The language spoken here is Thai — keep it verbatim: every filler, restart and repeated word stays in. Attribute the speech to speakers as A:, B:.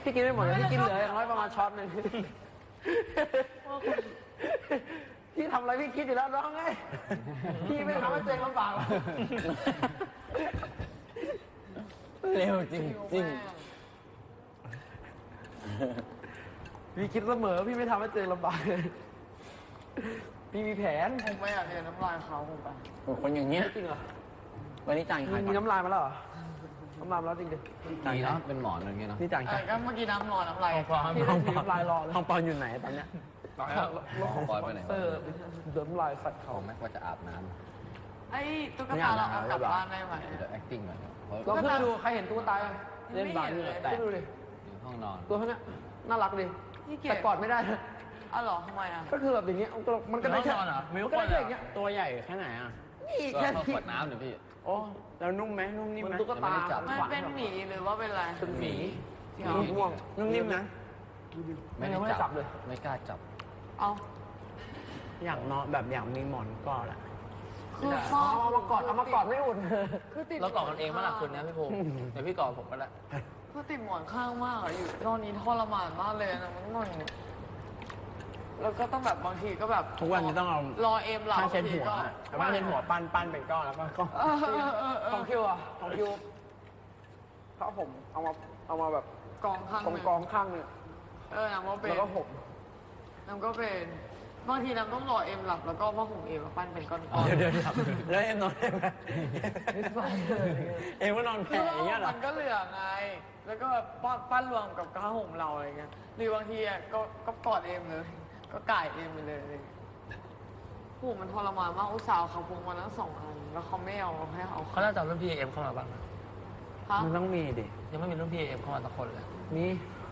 A: พี่กินไม่หมดเลยพี่กินเหลืออย่างน้อยประมาณช้อนหนึ่งพี่ทำอะไรพี่คิดอยู่แล้วน้องไงพี่ไม่ทำให้เจ๊งลำบากหรอก
B: เร็วจริงจริง
A: พี่คิดเสมอพี่ไม่ทำให้เจ๊งลำบากเลยพี่มีแผน
C: ผมไม่อยากเรียนน้ำลายเขาผมไป
B: คนอย่างเงี้ย
A: จริงเหรอ
B: วันนี้จ่ายใคร
A: มีน้ำลายมาแล้วเหรอน้ำลายมาแล้วจริงดิ
B: ดีนะเป็นหมอนอะไรเงี้ยเนาะ
A: นี่จ่ายใคร
C: ก็เมื่อกี้น้ำรอน้ำลาย
A: พี่ได้น้ำลายรอเลย
B: ห้องปอนอยู่ไหนตอนเนี้ย
A: ห้องปอนไปไหนเออเดิมลายใส่เขา
B: แม็กว่าจะอาบน้ำ
C: ไอ้ตุ๊กตาเราเอากลับบ้านได้ไหม
B: เดี๋ยว acting ก่อน
A: ลองขึ้นไปดูใครเห็นตุ๊กตา
C: เล่นบาสเลย
A: ขึ้นดูดิ
B: อยู่ห้องนอน
A: ตัวเขาเนี้ยน่ารักดิแต่กอดไม่ได้
C: อ้าวหรอทำไมอ่ะ
A: ก็คือแบบอย่างเงี้ยมันก็ได้แค่
B: มัน
A: ก็ได้แค่อย่างเงี้ย
B: ตัวใหญ่แค่ไหนอ่ะ
A: นี่แค่
B: ขวดน้ำเดี๋ยวพี่
A: โอ้แล้วนุ่มไหมนุ่มนิ่มไหมตุ๊กตา
C: มันเป็นหมีหรือว่าเป็นอะไร
A: เป็นหมีม่วงนุ่มนิ่มนะ
B: ไม่ได้จับเลยไม่กล้าจับ
C: เอา
A: อยากนอนแบบอยากมีหมอนกอดอ่ะ
C: คือ
A: เอามากอดเอามากอดไม่อุ่น
C: คือติด
B: เรากอดกันเองเมื่อไหร่คุณนะพี่ภูมิเดี๋ยวพี่กอดผมก็ได้
C: คือติดหมอนข้างมากอะอยู่ตอนนี้ทรมานมากเลยนะมันนอนแล้วก็ต้องแบบบางทีก็แบบ
A: ทุกวันนี้ต้องเอา
C: รอเอ็มหลับ
A: ผ้าเช็ดหัวผ้าเช็ดหัวปั้นปั้นเป็นก้อนแล้วก็ของคิวอ่ะของคิวเพราะผมเอามาเอามาแบบ
C: กองข้าง
A: กองกองข้างเนี่ย
C: เออน้ำก็เป็น
A: แล้วก็ผม
C: น้ำก็เป็นบางทีน้ำต้องรอเอ็มหลับแล้วก็ผ้าห่มเอ็มมาปั้นเป็นก้อน
A: ๆเดี๋ยวเดี๋ยวแล้วเอ็มนอนได้ไหมเอ็มก็นอนแผ่อย่างเงี้ยหรอ
C: มันก็เหลือไงแล้วก็ปั้นรวมกับผ้าห่มเราอะไรเงี้ยหรือบางทีอ่ะก็ก็กอดเอ็มเลยก็ก่ายเอ็มไปเลยโอ้มันทรมานมากอุตส่าห์เขาพงมาทั้งสองอันแล้วเขาไม่เอาให้เขา
B: เขาน่าจะรุ่นพี่เอ็มเข้ามาบ้าง
A: มันต้องมีดิ
B: ยังไม่มีรุ่นพี่เอ็มเข้ามาสักคนเลย
A: มี